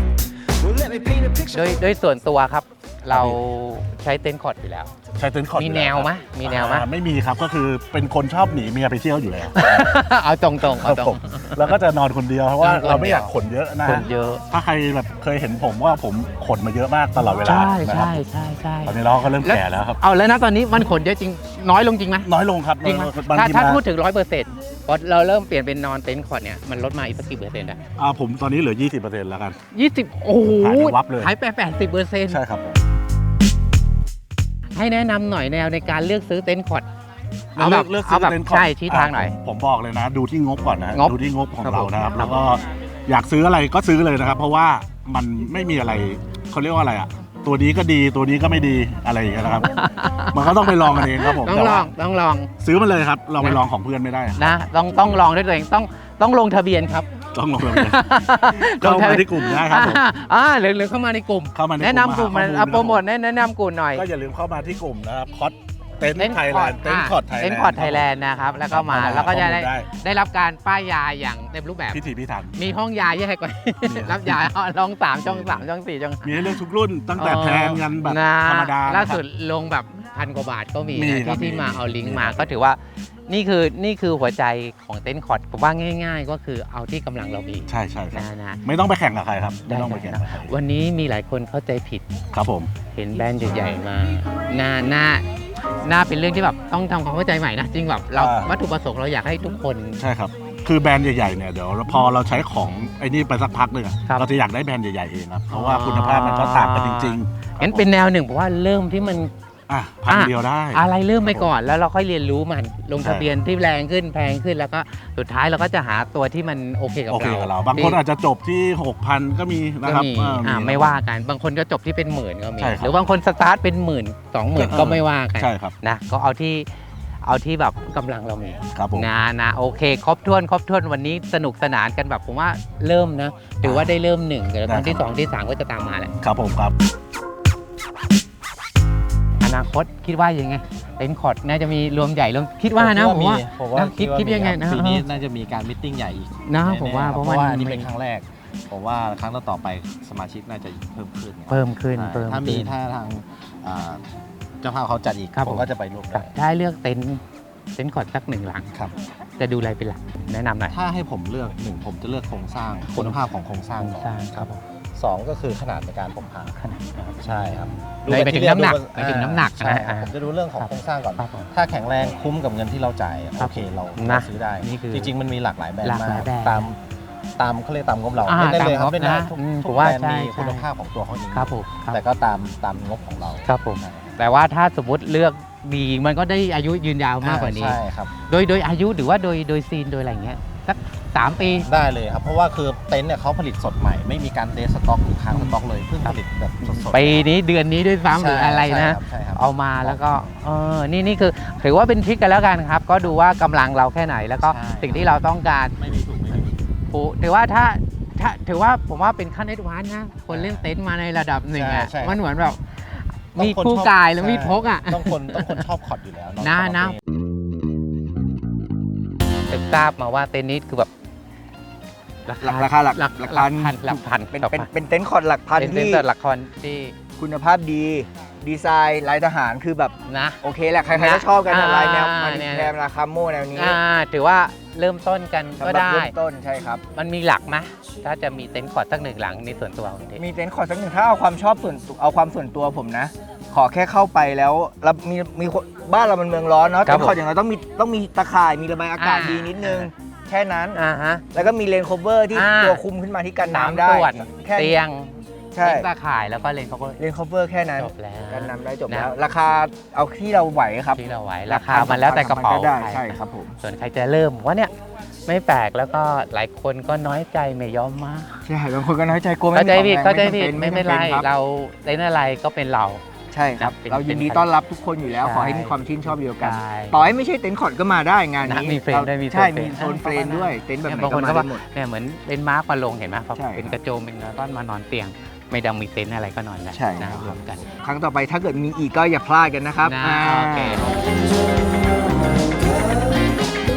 [SPEAKER 2] โดยส่วนตัวครับเราใช้เต็นท์คอร์ดอยู่แล้ว
[SPEAKER 5] ใช้เต็นท์คอร์ด
[SPEAKER 2] มีแนวไหมมีแนวไหม
[SPEAKER 5] ไม่มีครับก็คือเป็นคนชอบหนีเมียไปเที่ยวอยู่แล้ว
[SPEAKER 2] เอาตรงๆเอาต
[SPEAKER 5] ผ
[SPEAKER 2] รง
[SPEAKER 5] มแล้วก็จะนอนคนเดียวเพราะว่าเราไม่อยากขนเยอะนะ
[SPEAKER 2] คนเยอะ
[SPEAKER 5] ถ้าใครแบบเคยเห็นผมว่าผมขนมาเยอะมากตลอดเวลา
[SPEAKER 2] ใช่
[SPEAKER 5] นะครับ
[SPEAKER 2] ใช่
[SPEAKER 5] ตอนนี้เราก็เริ่มแก่แล้วครับ
[SPEAKER 2] เอาแล้วนะตอนนี้มันขนเยอะจริงน้อยลงจริงไหม
[SPEAKER 5] น้อยลงครับ
[SPEAKER 2] จริงไหม
[SPEAKER 5] บาง
[SPEAKER 2] ถ้า
[SPEAKER 5] ที
[SPEAKER 2] ถ้า
[SPEAKER 5] มา
[SPEAKER 2] พูดถึง100%พอเราเริ่มเปลี่ยนเป็นนอนเต็นท์คอร์ดเนี่ยมันลดมาอีกสักกี่เปอร์เซ็นต์อะ
[SPEAKER 5] ผมตอนนี้เหลือ 20%แล้วกัน
[SPEAKER 2] 20โอ้โห
[SPEAKER 5] หายไปวับเลย
[SPEAKER 2] หายไป80%
[SPEAKER 5] ใช่ครับ
[SPEAKER 2] ให้แนะนำหน่อยแนวในการเลือกซื้อเต็นท์คอร์ด
[SPEAKER 5] เลือกซื้อเต็นท์คอร์ด
[SPEAKER 2] ใช่ชี้ทางหน่อย
[SPEAKER 5] ผมบอกเลยนะ ดูที่งบก่อนนะ
[SPEAKER 2] งบ
[SPEAKER 5] ดูที่งบของ
[SPEAKER 2] ครับ
[SPEAKER 5] เรานะครับ
[SPEAKER 2] ผม
[SPEAKER 5] แล้วก็อยากซื้ออะไรก็ซื้อเลยนะครับ เพราะว่ามันไม่มีอะไรเขาเรียกว่าอะไรอ่ะตัวนี้ก็ดีตัวนี้ก็ไม่ดีอะไรอย่างเงี้ยนะครับ มันก็ต้องไปลองกันเองครับผม
[SPEAKER 2] ต้อง
[SPEAKER 5] แต่
[SPEAKER 2] ล
[SPEAKER 5] ว่า
[SPEAKER 2] องต้องลอง
[SPEAKER 5] ซื้อมาเลยครับเราไปลองของเพื่อนไม่ได้
[SPEAKER 2] นะต้องลองด้วยตัวเองต้องลงทะเบียนครับ
[SPEAKER 5] ต้องลองเลยเข้ามาที่กลุ่มได้ครับผม
[SPEAKER 2] หรือเข้ามาในกลุ่ม
[SPEAKER 5] เข้ามาใน
[SPEAKER 2] แนะนำกลุ่ม
[SPEAKER 5] มาหาข้อมูล
[SPEAKER 2] เอาโปรโมทแนะนำกลุ่มหน่อย
[SPEAKER 5] ก็อย่าลืมเข้ามาที่กลุ่มนะครับคอสเต็นท์ไทยแลนด์เต็นท์คอร์ดไทยแลนด์
[SPEAKER 2] เต็นท์คอร์ดไทยแลนด์นะครับแล้วก็มา
[SPEAKER 5] เข้ามา
[SPEAKER 2] แล้วก็จะ
[SPEAKER 5] ข้อมูลได้
[SPEAKER 2] ได้รับการป้ายยาอย่างเต็มรูปแบบ
[SPEAKER 5] พิถีพิถัน
[SPEAKER 2] มีห้องยาแยกกว่า รับยาลอง3ช่อง3ช่อง4ช่อง
[SPEAKER 5] มีให้เลือกทุกรุ่นตั้งแต่แพงยันแบบธรรมดา
[SPEAKER 2] ล่า
[SPEAKER 5] นะครับ
[SPEAKER 2] สุดลงแบบ1,000 กว่าบาทก็มี
[SPEAKER 5] มี
[SPEAKER 2] นะครับ ที่มา
[SPEAKER 5] มี
[SPEAKER 2] เอาลิงก์
[SPEAKER 5] มี
[SPEAKER 2] มาก็ถือว่านี่คือหัวใจของเต็นท์คอร์ดผมว่าง่าย ๆ ก็คือเอาที่กำลังเรามี
[SPEAKER 5] ใช่ใช่ครับ
[SPEAKER 2] นะ
[SPEAKER 5] ไม่ต้องไปแข่งกับใครครับไม่
[SPEAKER 2] ได้
[SPEAKER 5] ต้องไปแข่งกับใคร
[SPEAKER 2] วันนี้มีหลายคนเข้าใจผิด
[SPEAKER 5] ครับผม
[SPEAKER 2] เห็นแบรนด์ใหญ่ๆมาน่าเป็นเรื่องที่แบบต้องทำความเข้าใจใหม่นะจริงแบบเราวัตถุประสงค์เราอยากให้ทุกคน
[SPEAKER 5] ใช่ครับคือแบรนด์ใหญ่ๆเนี่ยเดี๋ยวพอเราใช้ของไอ้นี่ไปสักพักหนึ่งอะ
[SPEAKER 2] ครับ
[SPEAKER 5] เราจะอยากได้แบรนด์ใหญ่ๆเองครับเพราะว่าคุณภาพมันก็ต่างกันจริงๆ
[SPEAKER 2] งั้นเป็นแนวหนึ่งผมว่าเริ่มที่มัน
[SPEAKER 5] พันเดียวได้
[SPEAKER 2] อะไรเริ่มไปก่อนแล้วเราค่อยเรียนรู้มันลงทะเบียนที่แรงขึ้นแพงขึ้นแล้วก็สุดท้ายเราก็จะหาตัวที่มันโอเคกับ
[SPEAKER 5] โอเค
[SPEAKER 2] เรา
[SPEAKER 5] กับเรา บางคนอาจจะจบที่ 6,000 ก็มีนะ
[SPEAKER 2] ก็
[SPEAKER 5] ครับ
[SPEAKER 2] มีไม่ว่ากันบางคนก็จบที่เป็นหมื่นก็มี
[SPEAKER 5] ใช่ครับ
[SPEAKER 2] หรือบางคนสตาร์ทเป็นหมื่น20,000ก็ไม่ว่ากัน
[SPEAKER 5] ใช่ครับ
[SPEAKER 2] นะก็เอาที่แบบกำลังเรามี
[SPEAKER 5] ครับผม
[SPEAKER 2] นะโอเคครบถ้วนวันนี้สนุกสนานกันแบบผมว่าเริ่มนะถือว่าได้เริ่ม1เดี๋ยวตอนที่2ที่3ก็จะตามมาแหละ
[SPEAKER 5] ครับผมครับ
[SPEAKER 2] อนาคตคิดว่ายังไงเต็นท์คอร์ดน่าจะมีรวมใหญ่รวมคิดว่านะผมว่า คิดยังไงนะ
[SPEAKER 3] ปีนี้น่าจะมีการมิทติ้งใหญ่อีก
[SPEAKER 2] นะ
[SPEAKER 3] แน่ๆ
[SPEAKER 2] ผมว่า
[SPEAKER 3] ครับ
[SPEAKER 2] เพราะ
[SPEAKER 3] เพราะ
[SPEAKER 2] ว่า
[SPEAKER 3] ว่าอันนี้เป็นครั้งแรกผมว่าครั้งต่อๆไปสมาชิกน่าจะเพิ่มขึ้นครับ
[SPEAKER 2] เพิ่มขึ้น
[SPEAKER 3] ใช่ถ้าทางอ่าเจ้าภาพเขาจัดอีก
[SPEAKER 2] ครับ
[SPEAKER 3] ผมก็จะไปร่วม
[SPEAKER 2] ครั
[SPEAKER 3] ด้
[SPEAKER 2] บถ้าให้เลือกเต็นท์คอร์ดสัก1 หลัง
[SPEAKER 3] ครับ
[SPEAKER 2] จะดูอะไรเป็นหลักแนะนำหน่อย
[SPEAKER 3] ถ้าให้ผมเลือก1ผมจะเลือกโครงสร้างคุณภาพของโครงสร้างก่อน
[SPEAKER 2] โครงสร้างครับผม
[SPEAKER 3] 2ก็คือขนาดในการพกพา
[SPEAKER 2] ขนาดนะครับ
[SPEAKER 3] ใช่ครับ
[SPEAKER 2] ไปถึงน้ำหนักไปถึงน้ำหนัก
[SPEAKER 3] ใช่
[SPEAKER 2] อ่า
[SPEAKER 3] ผมจะดูเรื่องของ
[SPEAKER 2] ครับ
[SPEAKER 3] โครงสร้างก่อน
[SPEAKER 2] ครับผม
[SPEAKER 3] ถ้าแข็งแรงคุ้มกับเงินที่เราจ่าย
[SPEAKER 2] ครั
[SPEAKER 3] โอบ เคเรา
[SPEAKER 2] นะ
[SPEAKER 3] ซื้อได้
[SPEAKER 2] นี่คือ
[SPEAKER 3] จริงๆมันมีหลากหลายแบรน
[SPEAKER 2] หลา
[SPEAKER 3] ด์
[SPEAKER 2] ก
[SPEAKER 3] มา
[SPEAKER 2] หลาย
[SPEAKER 3] ก
[SPEAKER 2] แบรนด์
[SPEAKER 3] ตามเขาเรียกตามงบเรา
[SPEAKER 2] อ่า
[SPEAKER 3] เล่นได้เลยครับ
[SPEAKER 2] ตามงบ
[SPEAKER 3] เล่นได้
[SPEAKER 2] นะ
[SPEAKER 3] ทุก
[SPEAKER 2] ผ
[SPEAKER 3] ทุ
[SPEAKER 2] ม
[SPEAKER 3] ก
[SPEAKER 2] ว่า
[SPEAKER 3] แบรนด์
[SPEAKER 2] ใช่
[SPEAKER 3] มี
[SPEAKER 2] ใช่
[SPEAKER 3] คุณภาพของตัวเขาเอง
[SPEAKER 2] ครับผมครับ
[SPEAKER 3] แต่ก็ตามงบของเรา
[SPEAKER 2] ครับผมแต่ว่าถ้าสมมติเลือกดีมันก็ได้อายุยืนยาวมากกว่านี้
[SPEAKER 3] ใช่ครับ
[SPEAKER 2] โดยอายุหรือว่าโดยซีนโดยอะไรเงี้ยสัก3 ปี
[SPEAKER 3] ได้เลยครับเพราะว่าคือเต็นท์เนี่ยเขาผลิตสดใหม่ไม่มีการเดสต็อกหรือค้างสต็อกเลยเพิ่งผลิตแบบสดๆ
[SPEAKER 2] ปีนี้เดือนนี้ด้วยซ้ำหรืออะไรนะ
[SPEAKER 3] ใช่ครับ
[SPEAKER 2] เอามาแล้วก็นี่คือถือว่าเป็นทริคกันแล้วกันครับ ก็ดูว่ากำลังเราแค่ไหน แล้วก็
[SPEAKER 3] ใช่
[SPEAKER 2] สิ่งที่เราต้องการ
[SPEAKER 3] ไม่มีถูกไม่มีผิด
[SPEAKER 2] ถือว่าถ้าถือว่าผมว่าเป็นขั้นเอดวานซ์นะคนเล่นเต็นท์มาในระดับหนึ่งอ่ะ
[SPEAKER 3] ใช่
[SPEAKER 2] มันเหมือนแบบ
[SPEAKER 3] ต้อง
[SPEAKER 2] มี
[SPEAKER 3] คน
[SPEAKER 2] คู่
[SPEAKER 3] ชอบ
[SPEAKER 2] กายแล้วมีดพกอ่ะ
[SPEAKER 3] ต้องคนชอบคอร์ดอยู่แล้วเา
[SPEAKER 2] นะ จะทราบมาว่าเต็นท์นี้คือแบบ
[SPEAKER 1] ราคาหลัก
[SPEAKER 2] หลักพัน
[SPEAKER 1] เป็นเต็นท์คอร์ดหลักพัน
[SPEAKER 2] เป็นเต็น
[SPEAKER 1] ที่
[SPEAKER 2] ท์หลักพันที่
[SPEAKER 1] คุณภาพดีดีไซน์ลายทหารคือแบบ
[SPEAKER 2] นะ
[SPEAKER 1] โอเคแหละใครๆก็ชอบกันนะลายแนวมัน
[SPEAKER 2] เนี่ย
[SPEAKER 1] แนวราคาโมแนวนี้
[SPEAKER 2] ถือว่าเริ่มต้นกัน
[SPEAKER 1] สำ
[SPEAKER 2] ก็
[SPEAKER 1] หรับ
[SPEAKER 2] ได้
[SPEAKER 1] เริ่มต้นใช่ครับ
[SPEAKER 2] มันมีหลักไหมถ้าจะมีเต็นท์คอร์ดสัก1 หลังในส่วนตัวของเด็ก
[SPEAKER 1] มีเต็นท์คอร์ดสักหนึ่งถ้าเอาความชอบเอาความส่วนตัวผมนะ ขอแค่เข้าไปแล้วมีบ้านเรามันเมืองร้อนเนาะ
[SPEAKER 2] ครั
[SPEAKER 1] เต็
[SPEAKER 2] บ
[SPEAKER 1] นท์คอร์ดอย่างไรต้องมีตะข่ายมีระบายอากาศดีนิดนึง แค่นั้น
[SPEAKER 2] ฮะ
[SPEAKER 1] แล้วก็มีเลนโคเวอร์ที่
[SPEAKER 2] อ่า
[SPEAKER 1] ตัวคุมขึ้นมาที่กัน
[SPEAKER 2] 3
[SPEAKER 1] น้ำได้
[SPEAKER 2] ส่วน
[SPEAKER 1] แค่
[SPEAKER 2] เตียง
[SPEAKER 1] ใช่
[SPEAKER 2] เต็นท์ตาข่ายแล้วก็เลนเขาก็
[SPEAKER 1] เลนโคเวอร์แค่นั้น
[SPEAKER 2] จบแล้ว
[SPEAKER 1] กันน้ำได้จบ
[SPEAKER 2] นะ
[SPEAKER 1] แล้ว ราคาเอาที่เราไหวครับ
[SPEAKER 2] ที่เราไหวราคามันแล้วแต่กระเป๋า
[SPEAKER 1] ได้
[SPEAKER 2] ใคร
[SPEAKER 1] ใช่ครับผม
[SPEAKER 2] ส่วนใครจะเริ่มว่าเนี่ยไม่แปลกแล้วก็หลายคนก็น้อยใจไม่ยอมมา
[SPEAKER 1] ใช่บางคนก็น้อยใจกลัวไม่
[SPEAKER 2] เข้าใจผิด
[SPEAKER 1] มีของแรง
[SPEAKER 2] เข้าใจผิด
[SPEAKER 1] จำ
[SPEAKER 2] ไม่เป็นไร
[SPEAKER 1] ครับ
[SPEAKER 2] เราเต็นท์อะไรก็เป็นเรา
[SPEAKER 1] ใช่ครับ
[SPEAKER 2] เป็น
[SPEAKER 1] เรายินดีต้อนรับทุกคนอยู่แล้ว
[SPEAKER 2] ใช่
[SPEAKER 1] ขอให้มีความชื่นชอบเดียวกัน
[SPEAKER 2] ใช่
[SPEAKER 1] ต่อให้ไม่ใช่เต็นท์คอร์ดก็มาได้งานนี้
[SPEAKER 2] นะมีเฟรมด้วยมี
[SPEAKER 1] ใช่
[SPEAKER 2] โซนเฟรม
[SPEAKER 1] มีโซนเฟรมด้วยเต็นท์แบบไหน
[SPEAKER 2] บาง
[SPEAKER 1] ก็
[SPEAKER 2] คน
[SPEAKER 1] มา
[SPEAKER 2] ก็
[SPEAKER 1] ได้
[SPEAKER 2] ว่า
[SPEAKER 1] หมด
[SPEAKER 2] เนี่ยเหมือนเป็นม้ามาลงเห็นไหมพอ
[SPEAKER 1] ใช่
[SPEAKER 2] เป็นกระโจมเป็นกระต้อนมานอนเตียง ไม่ต้องมีเต็นท์อะไรก็นอนแล้ว
[SPEAKER 1] ใช่
[SPEAKER 2] นะครับ รวมกัน
[SPEAKER 1] ครั้งต่อไปถ้าเกิดมีอีกก็อย่าพลาดกันนะครับ
[SPEAKER 2] นะโอเค
[SPEAKER 1] บร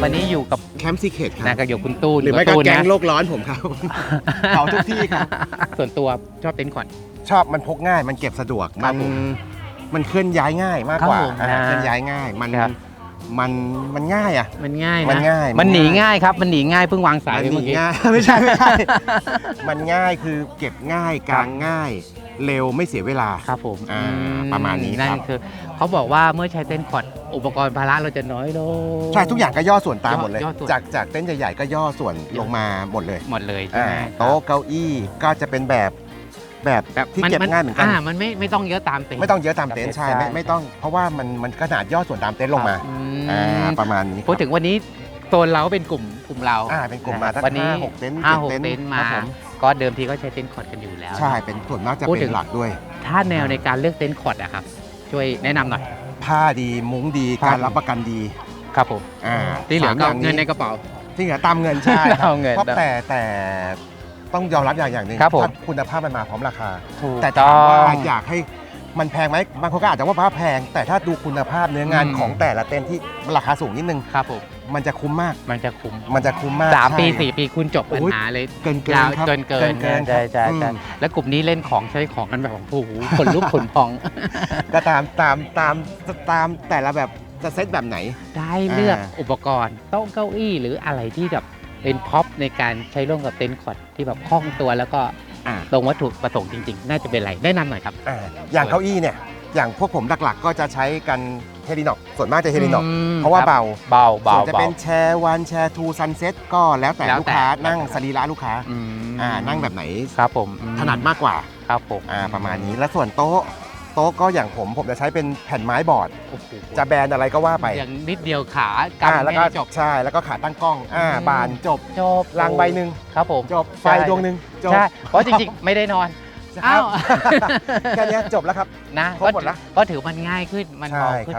[SPEAKER 2] วันนี้อยู่กับ
[SPEAKER 1] แคมป์ซีเคทครับ
[SPEAKER 2] นะกับอยู่คุณตูน
[SPEAKER 1] หรือไม่ก็
[SPEAKER 2] ตูน
[SPEAKER 1] แก๊ง
[SPEAKER 2] นะ
[SPEAKER 1] โลกร้อนผมครับ เขาทุกที่ครับ
[SPEAKER 2] ส่วนตัวชอบเต็นท์คอร์ด
[SPEAKER 1] ชอบมันพกง่ายมันเก็บสะดวก
[SPEAKER 2] ครั
[SPEAKER 1] มั
[SPEAKER 2] บ
[SPEAKER 1] น
[SPEAKER 2] ผม
[SPEAKER 1] มันเคลื่อนย้ายง่ายมากกว่า
[SPEAKER 2] ครับผม
[SPEAKER 1] เคลื่อนย้ายง่ายมัน
[SPEAKER 2] ครับ
[SPEAKER 1] มันง่ายอ่ะ
[SPEAKER 2] มันง่ายนะ
[SPEAKER 1] มันง่าย
[SPEAKER 2] มันหนีง่ายครับมันหนีง่ายเพิ่งวางสาย
[SPEAKER 1] มัน
[SPEAKER 2] ไป
[SPEAKER 1] หนี
[SPEAKER 2] เมื่อกี้
[SPEAKER 1] ง่าย ไม่ใช่ มันง่ายคือเก็บง่ายกางง่าย เร็วไม่เสียเวลา
[SPEAKER 2] ครับผม
[SPEAKER 1] ประมาณนี้
[SPEAKER 2] นั่
[SPEAKER 1] ครับ
[SPEAKER 2] นคือเขาบอกว่าเมื่อใช้เต็นท์คอร์ดอุปกรณ์ภาระเราจะน้อยลง
[SPEAKER 1] ใช่ทุกอย่างก็ย่อส่วนตามหมดเลย
[SPEAKER 2] ย่อส่วน
[SPEAKER 1] จากเต็นท์ใหญ่ๆก็ย่อส่วนลงมาหมดเลย
[SPEAKER 2] หมดเลยใช่ไหม
[SPEAKER 1] โต๊ะเก้าอี้ก็จะเป็นแบบที่เก็บง่ายเหมือนกัน
[SPEAKER 2] มันไม่ต้องเยอะตามเต็นท์
[SPEAKER 1] ไม่ต้องเยอะตามเต็นท์ใช่ไม่ต้องเพราะว่ามันขนาดย่อส่วนตามเต็นท์ลงมา ประมาณนี้
[SPEAKER 2] พูดถึงวันนี้โซนเราเป็นกลุ่มเรา
[SPEAKER 1] เป็นกลุ่มมาตั้ง
[SPEAKER 2] วันนี้
[SPEAKER 1] 5-6 เต็นท์
[SPEAKER 2] 5-6 เต็นท์มา
[SPEAKER 1] ครับผม
[SPEAKER 2] ก็เดิมทีก็ใช้เต็นท์คอร์ดกันอยู่แล้ว
[SPEAKER 1] ใช่เป็นส่วนมากจะ
[SPEAKER 2] พูด
[SPEAKER 1] เป็
[SPEAKER 2] ถึ
[SPEAKER 1] น
[SPEAKER 2] ง
[SPEAKER 1] หลักด้วย
[SPEAKER 2] ถ้าแนวในการเลือกเต็นท์คอร์ดอะครับช่วยแนะนำหน่อย
[SPEAKER 1] ผ้าดีมุ้งดี
[SPEAKER 2] ครับ
[SPEAKER 1] การรับประกันดี
[SPEAKER 2] ครับผมที่เหลือก็
[SPEAKER 1] สามย่าง
[SPEAKER 2] เงินในกระเป๋า
[SPEAKER 1] ที่เหลือตามเงินใช่
[SPEAKER 2] เอาเงิน
[SPEAKER 1] เพราะแต่ต้องยอมรับอย่างหนึ่ง
[SPEAKER 2] ครับผม
[SPEAKER 1] ถ้าคุณภาพมันมาพร้อมราคา
[SPEAKER 2] ถูก
[SPEAKER 1] แต่
[SPEAKER 2] ต้
[SPEAKER 1] ถาม
[SPEAKER 2] อง
[SPEAKER 1] ว่าอยากให้มันแพงไหมบางคนก็อาจจะว่าผ้าแพง แต่ถ้าดูคุณภาพเนื้องาน
[SPEAKER 2] อืม
[SPEAKER 1] ของแต่ละเต็นท์ที่ราคาสูงนิดนึง
[SPEAKER 2] ครับผม
[SPEAKER 1] มันจะคุ้มมาก
[SPEAKER 2] มันจะคุ้ม
[SPEAKER 1] มันจะคุ้มมาก
[SPEAKER 2] 3 ปี
[SPEAKER 1] ใช่
[SPEAKER 2] 4 ปีคุณจบปัญ
[SPEAKER 1] โอ้ย
[SPEAKER 2] หาเลย
[SPEAKER 1] เกิน
[SPEAKER 2] ยาว
[SPEAKER 1] ครับ
[SPEAKER 2] เกิน
[SPEAKER 1] เกิน
[SPEAKER 2] ใช่ใช่
[SPEAKER 1] อืม
[SPEAKER 2] ใช่แล้วกลุ่มนี้เล่นของใช้ของกันแบบโอ้โหขนลุกขนพอง
[SPEAKER 1] ก็ตามแต่ละแบบจะเซตแบบไหน
[SPEAKER 2] ได้เลือกอุปกรณ์โต๊ะเก้าอี้หรืออะไรที่แบบเป็นพ็อปในการใช้ร่วมกับเต็นท์คอร์ดที่แบบคล่องตัวแล้วก็
[SPEAKER 1] อ่า
[SPEAKER 2] ตรงวัตถุประสงค์จริงๆ น่าจะเป็นอะไรแนะนำหน่อยครับ
[SPEAKER 1] อย่างเก้าอี้เนี่ยอย่างพวกผมหลักๆ ก็จะใช้กันเฮลินอกส่วนมากจะเฮลินอกเพราะว่าเบา
[SPEAKER 2] เบา
[SPEAKER 1] ส่วนจะเป็นแชร์วันแชร์ทูซันเซ็ตก็แล้วแต่
[SPEAKER 2] แล้วแต่
[SPEAKER 1] ลูกค้านั่งสรีระลูกค้า
[SPEAKER 2] อืม
[SPEAKER 1] นั่งแบบไหน
[SPEAKER 2] ครับผม
[SPEAKER 1] ถนัดมากกว่า
[SPEAKER 2] ครับผม
[SPEAKER 1] ประมาณนี้แล้วส่วนโต๊ะก็อย่างผมจะใช้เป็นแผ่นไม้บอร์ด
[SPEAKER 2] โอ้โห
[SPEAKER 1] จะแบนอะไรก็ว่าไป
[SPEAKER 2] อย่างนิดเดียวขากำ
[SPEAKER 1] แล้วก็
[SPEAKER 2] ให้จบ
[SPEAKER 1] ใช่แล้วก็ขาตั้งกล้องบานจบ
[SPEAKER 2] จบ
[SPEAKER 1] รางใบหนึ่ง
[SPEAKER 2] ครับผม
[SPEAKER 1] จบไฟดวงหนึ่งจบ
[SPEAKER 2] ใช่เพราะจริงๆ ไม่ได้นอน
[SPEAKER 1] ครับ
[SPEAKER 2] อ้าว
[SPEAKER 1] แค่เนี้ยจบแล้วครับ
[SPEAKER 2] นะ
[SPEAKER 1] ครบหมดละ
[SPEAKER 2] ก็ถือมันง่ายขึ้นมันเบาขึ้น
[SPEAKER 1] ใช่ครับ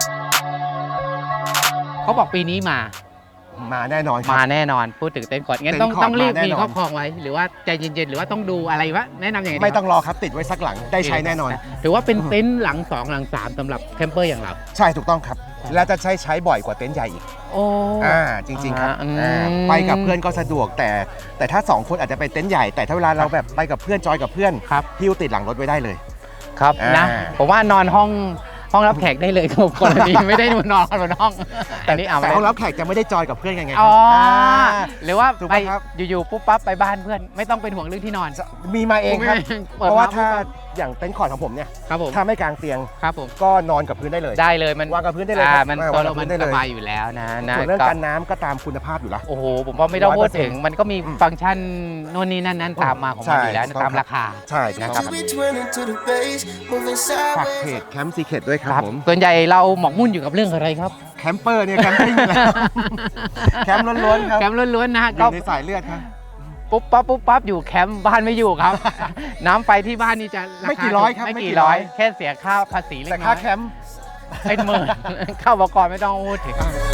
[SPEAKER 2] เขาบอกปีนี้มา
[SPEAKER 1] มาแน่นอนครับ
[SPEAKER 2] มาแน่นอนพูดถึงเต็นท์คอร์ดงั้น
[SPEAKER 1] เต็นท์คอร์ด
[SPEAKER 2] ต้องรีบ
[SPEAKER 1] มาแน่
[SPEAKER 2] มี
[SPEAKER 1] นอน
[SPEAKER 2] ครอบครองไว้ หรือว่าใจเย็นๆหรือว่าต้องดูอะไรวะแนะนำอย่างไรดี
[SPEAKER 1] ไม่ต้อง
[SPEAKER 2] ครับ
[SPEAKER 1] รอครับติดไว้สักหลังได้ใช้แน่นอน
[SPEAKER 2] ถือว่าเป็นเต็นท์หลัง 2 หลัง 3สำหรับแคมเปอร์อย่างเรา
[SPEAKER 1] ใช่ถูกต้องครับ และจะใช้บ่อยกว่าเต็นท์ใหญ่อีก
[SPEAKER 2] โอ้
[SPEAKER 1] จริงๆครับ
[SPEAKER 2] อืม
[SPEAKER 1] ไปกับเพื่อนก็สะดวกแต่ถ้า 2 คนอาจจะไปเต็นท์ใหญ่แต่ถ้าเวลาเราแบบไปกับเพื่อนจอยกับเพื่อน
[SPEAKER 2] ครับ
[SPEAKER 1] หิ้วติดหลังรถไว้ได้เลย
[SPEAKER 2] ครับนะ
[SPEAKER 1] อ่า
[SPEAKER 2] ผมว่านอนห้องรับแขกได้เลยครับกรณีไม่ได้นอนบนห้องอันนี้เอา
[SPEAKER 1] แต่ห้องรับแขกจะไม่ได้จอยกับเพื่อนกันไงค
[SPEAKER 2] อ๋
[SPEAKER 1] รั
[SPEAKER 2] อบ หรือว่า
[SPEAKER 1] ถูก
[SPEAKER 2] ไป
[SPEAKER 1] ปะครับ
[SPEAKER 2] อยู่ๆปุ๊บปั๊บไปบ้านเพื่อนไม่ต้องเป็นห่วงเรื่องที่นอน
[SPEAKER 1] มีมาเองครับ
[SPEAKER 2] ปิด
[SPEAKER 1] เพราะว่า
[SPEAKER 2] ปุ๊บ
[SPEAKER 1] ถ้า
[SPEAKER 2] ปั๊บ
[SPEAKER 1] อย่างเต็นท์คอร์ดของผมเนี่ย
[SPEAKER 2] ครับผม
[SPEAKER 1] ถ้าไม่กางเตียง
[SPEAKER 2] ครับผม
[SPEAKER 1] ก็นอนกับพื้นได้เลย
[SPEAKER 2] ได้เลยมัน
[SPEAKER 1] วางกับพื้นได้เลยครับ
[SPEAKER 2] มัน
[SPEAKER 1] วาง
[SPEAKER 2] ตัว
[SPEAKER 1] กับ
[SPEAKER 2] เรา
[SPEAKER 1] พื้
[SPEAKER 2] มัน
[SPEAKER 1] นได้
[SPEAKER 2] ส
[SPEAKER 1] เลย
[SPEAKER 2] บายอยู่แล้วนะ
[SPEAKER 1] ส่วนเรื่อง
[SPEAKER 2] ก็
[SPEAKER 1] การน้ำก็ตามคุณภาพอยู่แล้ว
[SPEAKER 2] โอ้โหผมว่าไม่ต้องพูดถึง
[SPEAKER 1] 100%
[SPEAKER 2] มันก็มีฟังก์ชันโน่นนี่นั่นตามมาของมันอยู่แล้ว
[SPEAKER 1] ใช่
[SPEAKER 2] ตามราคา
[SPEAKER 1] ใช่นะครับ ฝากเพจแคมป์ซีเคทด้วยครับผม
[SPEAKER 2] ส่วนใหญ่เราหมกมุ่นอยู่กับเรื่องอะไรครับ
[SPEAKER 1] แคมเปอร์เนี่ยแคมปิ้งอยู่แล้ว แคมป์ล้วนๆครับ
[SPEAKER 2] แคมป์ล้วนๆนะ
[SPEAKER 1] อ
[SPEAKER 2] ก็
[SPEAKER 1] ยู่ในสายเลือดครับ
[SPEAKER 2] ปุ๊บปั๊บอยู่แคมป์บ้านไม่อยู่ครับ น้ำไฟที่บ้านนี่จะาคา
[SPEAKER 1] ไม่กี่ร้อยครับ
[SPEAKER 2] ไม่
[SPEAKER 1] ไม่กี่
[SPEAKER 2] กี่
[SPEAKER 1] ร้
[SPEAKER 2] ร้อ
[SPEAKER 1] อย ย
[SPEAKER 2] แค่เสียค่าภาษีเล็
[SPEAKER 1] แต่
[SPEAKER 2] กน้
[SPEAKER 1] ค่า
[SPEAKER 2] อย
[SPEAKER 1] แคมป์
[SPEAKER 2] เป็นหมื่น เข้าอุปกรณ์ไม่ต้องพูดถึง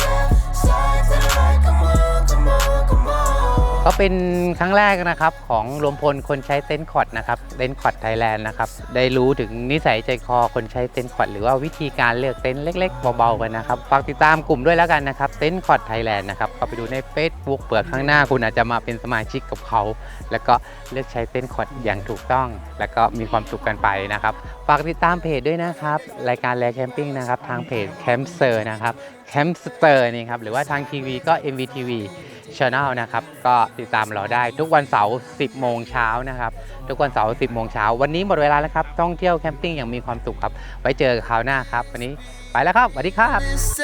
[SPEAKER 2] ก็เป็นครั้งแรกนะครับของรวมพลคนใช้เต็นท์คอร์ดนะครับเต็นท์คอร์ดไทยแลนด์นะครับได้รู้ถึงนิสัยใจคอคนใช้เต็นท์คอร์ดหรือว่าวิธีการเลือกเต็นท์เล็กๆเบาๆกันนะครับฝากติดตามกลุ่มด้วยแล้วกันนะครับเต็นท์คอร์ดไทยแลนด์นะครับก็ไปดูใน Facebook เปิดข้างหน้าคุณอาจจะมาเป็นสมาชิกกับเขาแล้วก็เลือกใช้เต็นท์คอร์ดอย่างถูกต้อง แล้วก็มีความสุขกันไปนะครับฝากติดตามเพจด้วยนะครับรายการแลแคมปิ้งนะครับทางเพจแคมป์เซอร์นะครับแคมป์สเตอร์นี่ครับหรือว่าทางทีวีก็ MVTV Channel นะครับก็ติดตามเราได้ทุกวันเสาร์ 10 โมงเช้านะครับทุกวันเสาร์ 10 โมงเช้าวันนี้หมดเวลาแล้วครับท่องเที่ยวแคมปิ้งอย่างมีความสุขครับไว้เจอกันคราวหน้าครับวันนี้ไปแล้วครับสวัสดีครับ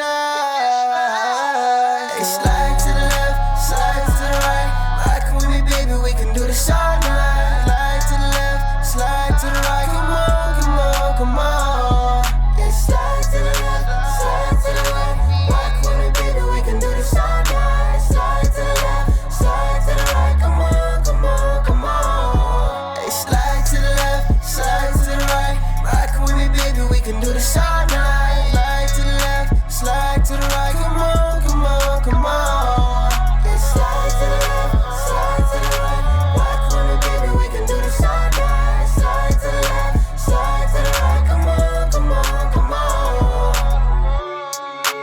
[SPEAKER 8] Slide to the left, slide to the right. Rock with me, baby, we can do this all night. Slide to the left, slide to the right. Come on, come on, come on. Yeah, slide to the left, slide to the right. Rock with me, baby, we can do this all night. Slide to the left, slide to the right. Come on, come on, come on. Hey, slide to the left, slide to the right. Rock with me, baby, we can do this all night.